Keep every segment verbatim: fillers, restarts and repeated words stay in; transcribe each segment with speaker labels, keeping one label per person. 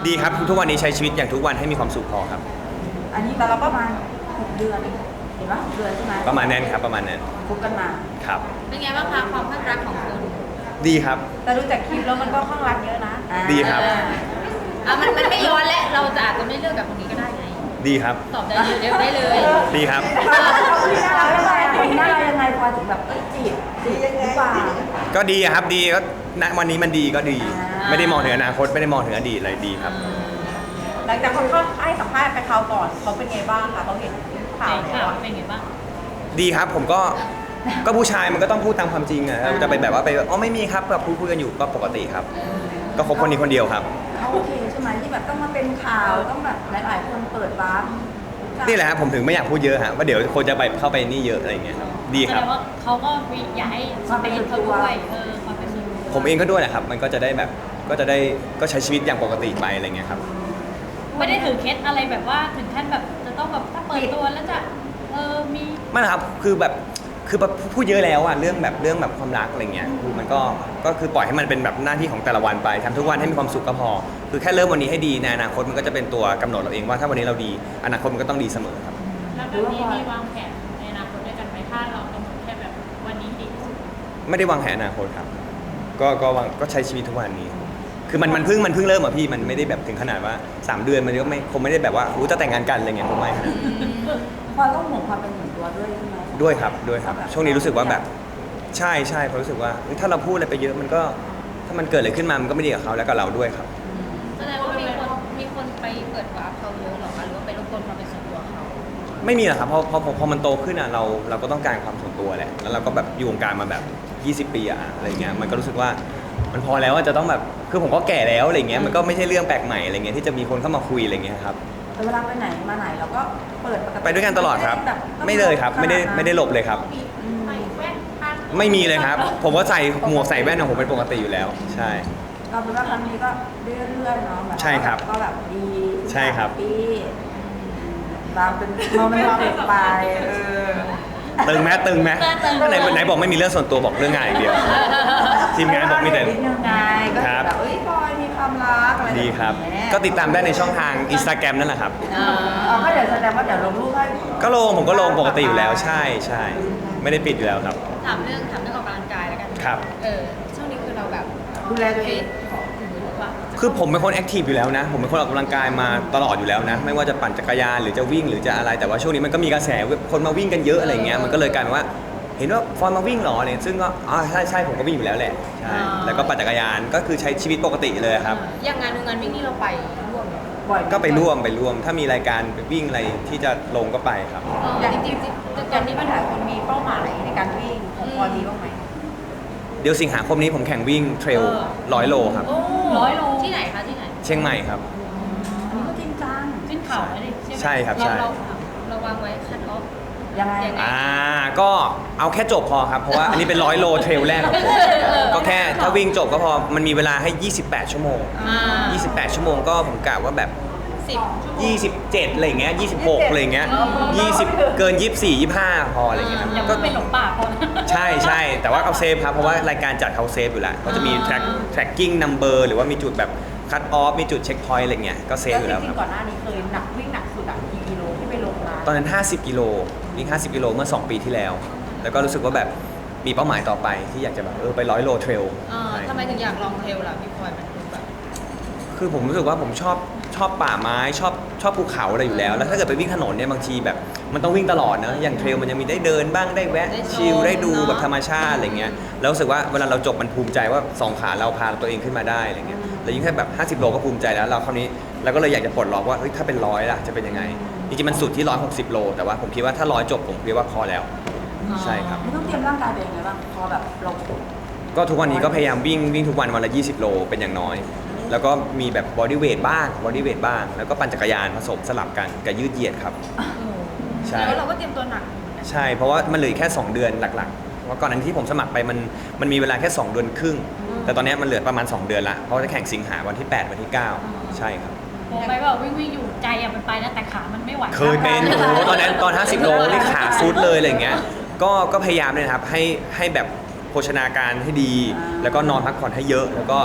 Speaker 1: ดีครับทุกวันนี้ใช้ชีวิตอย่างทุกวันให้มีความสุขพอครับ
Speaker 2: อันนี้แต่เราประมาณหกเดือนเห็นปะหกเดือนใช่ไหม
Speaker 1: ประมาณนั้นครับประมาณนั้น
Speaker 2: คบกันมา
Speaker 1: ครับ
Speaker 3: เป็นไงบ้างคะความข้างรักของคุณ
Speaker 1: ดีครับ
Speaker 2: แต่ดูจากคลิปแล้วมันก็ข้างรักเยอะนะอ่า
Speaker 1: ดีครับ
Speaker 3: อ่ะมันมันไม่ย้อนและเราจะอาจจะไม่เลือกกับคนนี้ก็ได้ไง
Speaker 1: ดีครับ
Speaker 3: ตอบได้เลยเร็วได้เลย
Speaker 1: ดีครับ
Speaker 2: คนนี้น่ารักยังไงคนนี้น่ารักยังไงพอถึงแบบเอ้ยจีบจีบหรือเปล่า
Speaker 1: ก็ดีครับดีก็ณวันนี้มันดีก็ดี
Speaker 2: อ่า
Speaker 1: ไม่ได้มองถึงอนาคตไม่ได้มองถึงอดีตอะไรดีครับ
Speaker 2: หลังจากเขาเข้าให้สัมภาษณ์ไปคราวก่อนเขาเป็นไงบ้างคะเขาเห็นข่าว
Speaker 3: ใน
Speaker 2: แล้
Speaker 3: ข่าว
Speaker 2: วอะ
Speaker 3: เป็นไงบ้าง
Speaker 1: ดีครับผมก็ก็ผู้ชายมันก็ต้องพูดตามความจริงอะเราจะไปแบบว่าไปอ๋อไม่มีครับแบบพูดคุยกันอยู่ก็ปกติครับ ก็คบคนนี้คนเดียวครับ
Speaker 2: เขาโอเคใช่ไหมที่แบบต้องมาเป็นข่าวต้องแบบหลาย ๆ คนเปิดร้าน
Speaker 1: นี่แหละครับผมถึงไม่อยากพูดเยอะฮะว่าเดี๋ยวคนจะไปเข้าไปนี่เยอะอะไรอย่างเงี้ยครับดี
Speaker 3: แส
Speaker 1: ค
Speaker 3: ด
Speaker 1: รับ
Speaker 3: งว่าเขาก็มีอยากให้สเปซเขาด้วยเออความเป็นส่วนตัว
Speaker 1: ผมเองก็ด้วยแหละครับ มันก็จะได้แบบก็จะได้ก็ใช้ชีวิตอย่างปกติไปอะไรเงี้ยครับ
Speaker 3: ไม่ได้ถือเคสอะไรแบบว่าถึงขั้นแบบจะต้องแบบถ้าเปิดตัวแล้วจะเออมี
Speaker 1: ไม่นะครับคือแบบคือพูดเยอะแล้วอะเรื่องแบบเรื่องแบบความรักอะไรเงี้ยคือมันก็ก็คือปล่อยให้มันเป็นแบบหน้าที่ของแต่ละวันไปทำทุกวันให้มีความสุขก็พอ คือแค่เริ่มวันนี้ให้ดีในอนาคตมันก็จะเป็นตัวกำหนดเราเองว่าถ้าวันนี้เราดีอนาคตมันก็ต้องดีเสมอครับ
Speaker 3: แล้วแบบนี้มีวางแผนในอนาคตด้วยกันไหมถ้าเรากำหนดแค่แบบวันนี้ดีที่สุด
Speaker 1: ไม่ได้วางแผนอนาคตครับ ก็ก็วางก็ใช้ชีวิตทุกวันนี้ คือมันมันเพิ่งมันเพิ่งเริ่มอะพี่มันไม่ได้แบบถึงขนาดว่าสามเดือนมันก็ไม่คงไม่ได้แบบว่าอู้จะแต่งงานกันอะไรเงี้ยคงไม่ขนาดนั้น
Speaker 2: พอต้องห่วงความเป็นส่วนตัวด้วยใช่ไหม
Speaker 1: ด้วยครับด้วยครับ ช่วงนี้รู้สึกว่าแบบใช่ใช่เพราะรู้สึกว่าเฮ้ยถ้าเราพูดอะไรไปเยอะมันก็ถ้ามันเกิดอะไรขึ้นมามันก็ไม่ดีกับเขาแล้วกับเราด้วยครับ
Speaker 3: แสดงว่ามีคนมีคนไปเปิดวาร์ปเขาเยอะหรอคะหรือว่าไปรบกวนความเป็นส่วนตัวเขา
Speaker 1: ไม่มีหรอกครับเพราะเพราะพอมันโตขึ้นอ่ะเราเราก็ต้องการความส่วนตัวแหละแล้วเราก็แบบอยู่วงการมาแบบยี่สิบปีอะอะไรเงี้ยมันก็รู้สึกว่ามันพอแล้วว่าจะต้องแบบคือผมก็แก่แล้วอะไรเงี้ยมันก็ไม่ใช่เรื่องแปลกใหม่อะไรเงี้ยที่จะมีคนเข้ามาคุยอะไรเงี้ยครับ
Speaker 2: แต่เวลาไปไหนมาไหนเราก็เปิดปกติ
Speaker 1: ไปด้วยกันตลอดครับ
Speaker 2: แบบต้อง
Speaker 1: ไม่เลยครับไม่ได้
Speaker 2: ขนานั้น
Speaker 1: ไม่ได้หลบเลยครับ
Speaker 3: ใส่แว่นพัน
Speaker 1: ไม่มีเลยครับ ผมก็ใส่หมวกใส่แว่นของผมเป็นปกติอยู่แล้ว ใช่
Speaker 2: เราเป็นว่าครั้งนี้ก็เรื่อยๆเนาะแบบว่า
Speaker 1: ใช่ครับ
Speaker 2: ก็แบบดี
Speaker 1: ใช่ครับ
Speaker 2: ปีเราเป็นเราเป็นเราเป็นไปเออ
Speaker 1: ตึงไหมตึงไหมไหนไหนบอกไม่มีเรื่องส่วนตัวบอกเรื่องงานอย่างเดียว ทีมงานบอกมีแต่
Speaker 2: นิดนึงไงก็
Speaker 1: ครับ
Speaker 2: แบบเอ้ยพลอยมีความรักอะไรแ
Speaker 1: ดีครับ
Speaker 2: เงี้ย
Speaker 1: ก็ติดตามได้ในช่องทางอินสตาแกรมนั่นแหละครับ
Speaker 2: เออเอาก็เดี๋ยวแสดงว่าเดี๋ยวลงรูปให้
Speaker 1: ก็ลงผมก็ลงปกติอยู่แล้วใช่ใช่ไม่ได้ปิดอยู่แล้วครับ
Speaker 3: ถามเรื่องถามเรื่องออกกำลังกายแล้วกัน
Speaker 1: ครับ
Speaker 3: เออช่วงนี้คือเราแบบ
Speaker 2: ดูแลตัวเอง
Speaker 3: หรือว่า
Speaker 1: คือผมเป็นคนแอคทีฟอยู่แล้วนะ ผมเป็นคนออกกำลังกายมาตลอดอยู่แล้วนะ ไม่ว่าจะปั่นจักรยานหรือจะวิ่งหรือจะอะไร แต่ว่าช่วงนี้มันก็มีกระแสคนมาวิ่งกันเยอะอะไรเงี้ย มันก็เลยกลายเป็นว่า เห็นว่าฟอนมาวิ่งเหรอเนี่ยซึ่งก็อ๋อใช่ใช่ผมก็วิ่งอยู่แล้วแหละ ใช่ แล้วก็ปั่นจักรยาน ก็คือใช้ชีวิตปกติเลยครับ
Speaker 3: อย่างงานงานวิ่งนี่เราไปร่วมเหรอ
Speaker 2: บ่อย
Speaker 1: ก็ไปร่วมไปร่วม ถ้ามีรายการไปวิ่งอะไรที่จะลงก็ไปครับ
Speaker 2: อย่างจริงๆตอนนี้ปัญหาคนมีเป้าหมายในการวิ่งของพลอยมีบ้างไหม
Speaker 1: เดี๋ยวสิงหาคมนี้ผมแข่งวิ่งเทรลร้อยโลครับ
Speaker 3: โอ้ร้อยโลที่ไหนคะที่ไหน
Speaker 1: เชียงใหม่ครับ
Speaker 2: อันนี้ก็จริงจัง
Speaker 3: ขึ้นเขาแล้วดิใช่ไหม
Speaker 1: ใช่ครับใช่
Speaker 3: เราเราวางไว้คัดออฟ
Speaker 2: ยังไง
Speaker 3: ยังไง
Speaker 1: อ่าก็เอาแค่จบพอครับ เพราะว่าอันนี้เป็นร้อยโลเทรลแรกของผม ก็แค่ถ้าวิ่งจบก็พอ มันมีเวลาให้ ยี่สิบแปด ชั่วโมง
Speaker 3: อ่า
Speaker 1: ยี่สิบแปด ชั่วโมงก็ผมกะว่าแบบ
Speaker 3: สิบ
Speaker 1: ยี่สิบเจ็ดอะไรอย่างเงี้ยยี่สิบหกอะไรอย่างเงี้ยยี่สิบเกินยี่สิบสี่ ยี่สิบห้าพออะไรอย่างเงี้ยครับ
Speaker 3: อย่าง
Speaker 1: ก็
Speaker 3: ว่าเป็นหลงป่าคน
Speaker 1: ใช่ใช่แต่ว่าเอาเซฟครับเพราะว่ารายการจัดเขาเซฟอยู่แล้วก็จะมี track tracking number หรือว่ามีจุดแบบ cut off มีจุด check point อะไรเงี้ยก็เซฟ
Speaker 2: แล้ว
Speaker 1: อยู่
Speaker 2: จ
Speaker 1: แล้วค
Speaker 2: ริ
Speaker 1: รับ
Speaker 2: งๆก่อนหน้านี้เคยหนักวิ่งหนักสุดอะกี่กิโลที่ไปลงมา
Speaker 1: ตอนนั้น ห้าสิบ กิโลวิ่งห้าสิบ กิโลเมื่อ สอง ปีที่แล้ว แล้วก็รู้สึกว่าแบบมีเป้าหมายต่อไปที่อยากจะแบบเออไปร้อยโลเทรล
Speaker 3: เออทำไมถึงอยากลองเทรลล่ะพี่พลอยมันดูแบบ
Speaker 1: คือผมรู้สึกว่าผมชอบชอบป่าไม้ชอบชอบภูเขาอะไรอยู่แล้ว แล้วถ้าเกิดไปวิ่งถนนเนี่ยบางทีแบบมันต้องวิ่งตลอดเนอะอย่างเทรลมันจะมีได้เดินบ้างได้แวะ
Speaker 3: ได้ชม
Speaker 1: ชิลได้ดู
Speaker 3: เนอะ
Speaker 1: แบบธรรมชาติอะไรเงี้ยแล้วรู้สึกว่าเวลาเราจบมันภูมิใจว่าสองขาเราพาตัวเองขึ้นมาได้อะไรเงี้ยแล้วยิ่งแค่แบบห้าสิบโลก็ภูมิใจแล้วเราคราวนี้เราก็เลยอยากจะปลดล็อกว่าเฮ้ยถ้าเป็นร้อยล่ะจะเป็นยังไงจริงๆมันสุดที่ร้อยหกสิบโลแต่ว่าผมคิดว่าถ้าร้อยจบผมคิดว่าพอแล้ว ใช่ครับ
Speaker 2: ไม่ต้องเตรียมร่างกายเป็นยังไงบ้างพอแบบเรา
Speaker 1: ก็ทุกวันนี้ก็พยายามวิ่งวิ่งทุกวันวันละยี่สิบโลเป็นอย่างน้อย แล้วก็มีแบบบอดี้เวทบ้างบอดี้เวทบ้าง แล้วก็ปั่นจักรยานผสมสลับกันกับยืดเหยียดครับ ใช่
Speaker 3: แล้วเราก็เตรียมตัวหนักเหมือนกัน
Speaker 1: ใช่เพราะว่ามันเหลือแค่ สอง เดือนหลักๆ เพราะก่อนนั้นที่ผมสมัครไปมันมันมีเวลาแค่ สอง เดือนครึ่ง แต่ตอนนี้มันเหลือประมาณ สอง เดือนละเพราะจะแข่งสิงหาวันที่ แปด วันที่ เก้า ใช่ครับ
Speaker 3: โอ้ไปแบบวิ่งวิ่งอยู่ใจอะมันไปนะแต่ขามันไม่ไหว
Speaker 1: เคยเป็นโอ้โหตอนนั้นตอน ห้าสิบ โลนี่ขาซุดเลยอะไรอย่างเงี้ยก็ก็พยายามเลยนะครับให้ให้แบบโภชนาการให้ดี แล้วก็นอนพักผ่อนให้เยอะ แล้วก็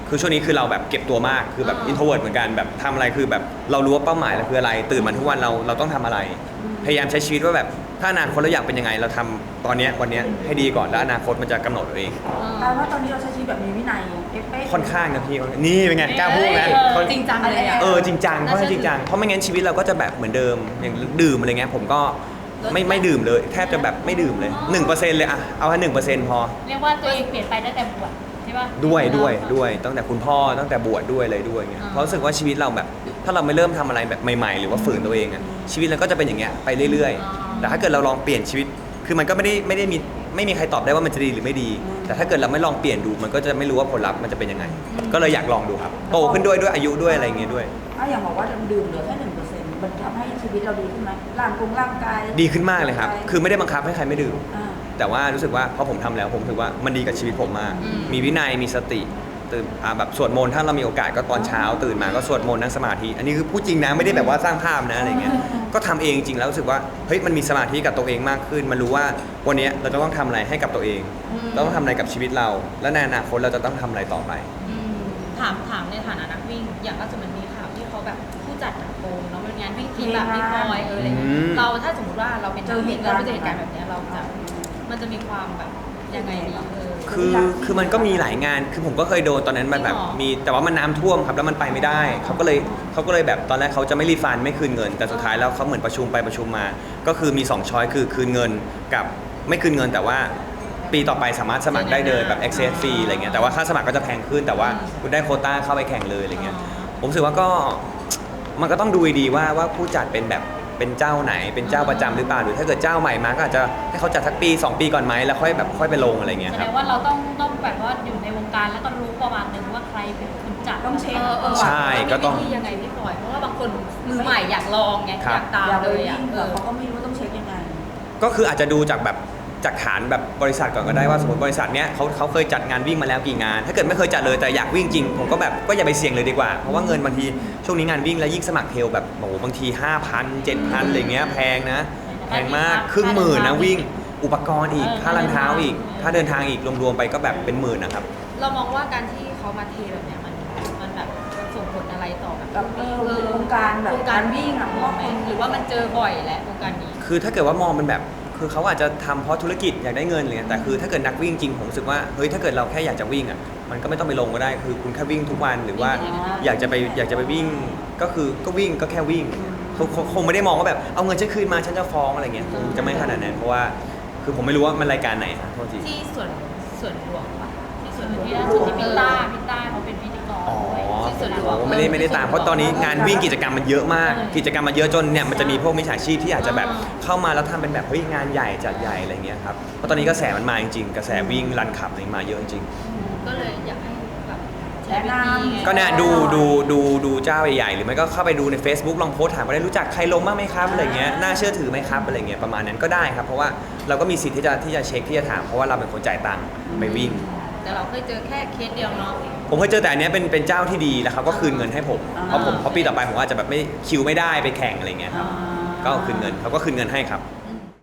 Speaker 1: คือช่วงนี้คือเราแบบเก็บตัวมากคือแบบอินโทรเวิร์ตเหมือนกันแบบทำอะไรคือแบบเรารู้ว่าเป้าหมายเราคืออะไรตื่นมาทุกวันเราเราต้องทำอะไร พยายามใช้ชีวิตว่าแบบถ้าอนาคตเราอยากเป็นยังไงเราทำตอนเนี้ยวันเนี้ยให้ดีก่อนแล้วอนาคตมันจะกำหนดเอง
Speaker 2: แปลว่าตอนนี้เราใช้ชีวิตแบบมีวินัยเป๊ะๆ
Speaker 1: ค่อนข้างนะพี่นี่เป็นไงกล้าพูดไหม
Speaker 3: เออ
Speaker 1: เขา
Speaker 3: จริงจังเลยอะ
Speaker 1: เออจริงจังเพราะจริงจังเพราะไม่งั้นชีวิตเราก็จะแบบเหมือนเดิมอย่างดื่มอะไรเงี้ยผมก็ไม่ไม่ดื่มเลยแทบจะแบบไม่ดื่มเลยหนึ่งเปอร์เซ็นต์เลยอะเอาแค่หนึ่งเปอร์เซ็นต์พอ
Speaker 3: เรียกว่าตัวเองเปลี่ยนไปตั้งแต่บวชใช่ป่ะ
Speaker 1: ด้วยด้วยด้วยตั้งแต่คุณพ่อตั้งแต่บวชด้วยเลยด้วยเงี้ย
Speaker 3: อ่า
Speaker 1: เพราะรู้สึกว่าชีวิตเราแบบ ถ้าเราไม่เริ่มทำอะไรแบบใหม่ๆ หรือว่าฝืนตัวเองอะชีวิตเราก็จะเป็นอย่างเงี้ยไปเรื่อยๆ แต่ถ้าเกิดเราลองเปลี่ยนชีวิตคือมันก็ไม่ได้ไม่ได้มีไม่มีใครตอบได้ว่ามันจะดีหรือไม่ดี แต่ถ้าเกิดเราไม่ลองเปลี่ยนดูมันก็จะไม่รู้ว่าผลลัพธ์มันจะเป็นยังไง ก็เลยอยากลองดูครับโตขึ้นด้วยด้วยอายุด้วยอะไรเงี้ยด้วย
Speaker 2: ถ้าอย่างบอกว่าดื่มเหลือแค่หนึ่งเปอร์เซ็นต์มันทำให้ชีวิตเราดีขึ้นไหมร่างกงร่างกาย
Speaker 1: ดีขึ้นมากเลยครับคือไม่ได้บังคับให้ใครไม่ดื่ม
Speaker 2: อ่า
Speaker 1: แต่ว่ารู้สึกว่าพอผมทำแล้วผมรู้สึกว่ามันดีกับชีวิตผมมาก มีวินัยมีสติตื่นอ่าแบบสวดมนต์ถ้าเรามีโอกาสก็ตอนเช้าตื่นมาก็สวดมนต์นั่งสมาธิอันนี้คือพูดจริงนะไม่ได้แบบว่าสร้างภาพนะอะไรเงี้ยก็ทำเองจริงแล้วรู้สึกว่าเฮ้ยมันมีสมาธิกับตัวเองมากขึ้น มันรู้ว่าวันนี้เราจะต้องทำอะไรให้กับตัวเองเราต้องทำอะไรกับชีวิตเรา และในอนาคตเราจะต้องทำอะไรต่อไป
Speaker 4: อืมถามถามในฐานะนักวิ่ง อย่างล่าสุดมันมีข่าวที่เขาแบบผู้จัดโกงเนาะมันงานวิ่งทีมแบบพี่พลอยเอออะไรเงี้ย
Speaker 1: อืม
Speaker 4: เราถ้าสมมติว่าเราเป็น
Speaker 2: เจอเหตุการณ์
Speaker 4: เราไปเจอเหตุการณ์แบบเนี้ยเราจะมันจะมีความแบบยังไงดีเออ
Speaker 1: คือคือมันก็มีหลายงานคือผมก็เคยโดนตอนนั้นมันแบบ
Speaker 4: จริงเหรอ
Speaker 1: มีแต่ว่ามันน้ำท่วมครับแล้วมันไปไม่ได้เขาก็เลยเขาก็เลยแบบตอนแรกเขาจะไม่รีฟันไม่คืนเงิน แต่สุดท้ายแล้วเขาเหมือนประชุมไปประชุมมา ก็คือมีสองช้อยคือคืนเงินกับไม่คืนเงิน แต่ว่าปีต่อไปสามารถสมัครได้เลยแบบ access fee อะไรเงี้ยแต่ว่าค่าสมัครก็จะแพงขึ้นแต่ว่าคุณได้โควต้าเข้าไปแข่งเลยอะไรเงี้ยผมรู้สึกว่าก็มันก็ต้องดูดีๆว่าว่าผู้จัดเป็นแบบเป็นเจ้าไหนเป็นเจ้าประจำหรือเปล่าหรือถ้าเกิดเจ้าใหม่มาก็อาจจะให้เขาจัดสักปีสองปีก่อนไหมแล้วค่อยแบบค่อยไปลงอะไรเงี้ย
Speaker 3: แส
Speaker 1: ค
Speaker 3: ด
Speaker 1: รับ
Speaker 3: งว่าเราต้องต้องแบบว่าอยู่ในวงการแล้วก็รู้ประมาณหนึงว่าใครเป็นคนจัด
Speaker 2: ต้องเช็ค
Speaker 4: เออเออ
Speaker 1: ใช่ก็ต้อง
Speaker 4: มีวิธียังไงพี่พลอยเพราะว่าบางคนมือใหม่อยากลองไง
Speaker 1: ครั
Speaker 4: อบ ยากตาม
Speaker 2: อย่าไป
Speaker 4: เลย
Speaker 2: วิ่
Speaker 4: อ่ะ
Speaker 2: ง
Speaker 4: เอ
Speaker 2: เผื่อ
Speaker 4: อ
Speaker 2: เขาก็ไม่รู้ต้องเช็คยังไง
Speaker 1: ก็คืออาจจะดูจากแบบจากฐานแบบบริษัทก่อนก็ได้ว่าสมมติบริษัทเนี้ยเขาเขาเคยจัดงานวิ่งมาแล้วกี่งาน ถ้าเกิดไม่เคยจัดเลยแต่อยากวิ่งจริงผมก็แบบก็อย่าไปเสี่ยงเลยดีกว่าเพราะว่าเงินบางทีช่วงนี้งานวิ่งแล้วยิ่งสมัครเทรลแบบโอ้โหบางที ห้าพัน เจ็ดพัน อะไรเงี้ยแพงนะแพงมากครึ่งหมื่นนะวิ่งอุปกรณ์อีกค่ารองเท้าอีกค่าเดินทางอีกรวมๆไปก็แบบเป็นหมื่นนะครับ
Speaker 4: เรามองว่าการที่เขามาเทแบบเนี้ยมันมันแบบมันส่งผลอะไรต่อแบบ
Speaker 2: แบบเออวงการแบบ
Speaker 4: วงการวิ่ง
Speaker 2: อะ
Speaker 4: มองไหมหรือว่ามันเจอบ่อยแหละวงการนี้
Speaker 1: คือถ้าเกิดว่ามองเป็นแบบคือเขาอาจจะทำเพราะธุรกิจอยากได้เงินอะไรเงี้ยแต่คือถ้าเกิดนักวิ่งจริงผมรู้สึกว่าเฮ้ยถ้าเกิดเราแค่อยากจะวิ่งอ่ะมันก็ไม่ต้องไปลงก็ได้คือคุณแค่วิ่งทุกวันหรือว่าอยากจะไปอยากจะไปวิ่งก็คือก็วิ่งก็แค่วิ่งเขาเขาคงไม่ได้มองว่าแบบเอาเงินฉันคืนมาฉันจะฟ้องอะไรเงี้ยคงจะไม่ขนาดนั้นเพราะว่าคือผมไม่รู้ว่ามันรายการไหนครับโทษที
Speaker 4: ที่ส่วนส่วนรวมปะที่ส่วนรวม
Speaker 3: ที่ล่าสุดที่พิต้าพิต้าเขาเป็นพิธีกร
Speaker 1: อ๋อ
Speaker 3: ด้วย
Speaker 4: ที่ส่วนรว
Speaker 1: ผมไม่ได้ไม่ได้ตามเพราะตอนนี้งานวิ่งกิจกรรมมันเยอะมาก กิจกรรมมันเยอะจนเนี่ยมันจะมีพวกมิจฉาชีพที่อาจจะแบบเข้ามาแล้วทำเป็นแบบเฮ้ยงานใหญ่จัดใหญ่อะไรเงี้ยครับเพราะตอนนี้กระแสมันมาจริงๆกระแสวิ่งรันขับอะไรมาเยอะจริง
Speaker 4: ก็เลยอยากให้แบบใช้วิธีไง
Speaker 1: ก็เนี่ยดูดูดูดูเจ้าใหญ่ๆหรือไม่ก็เข้าไปดูใน Facebook ลองโพสต์ถามก็ได้รู้จักใครลงบ้างไหมครับอะไรเงี้ยน่าเชื่อถือไหมครับอะไรเงี้ยประมาณนั้นก็ได้ครับเพราะว่าเราก็มีสิทธิ์ที่จะที่จะเช็คที่จะถามเพราะว่าเราเป็นคนจ่ายตังค์ไปวิ่ง
Speaker 4: แต่เราเคยเจอแค่เคสเดียวเนาะ
Speaker 1: ผมเคยเจอแต่อันเนี้ยเป็นเป็นเจ้าที่ดีแล้วเขาก็คืนเงินให้ผมเพราะผมเพราะปีต่อไปผมอาจจะแบบไม่คิวไม่ได้ไปแข่งอะไรเงี้ยครับก็คืนเงินเขาก็คืนเงินให้ครับ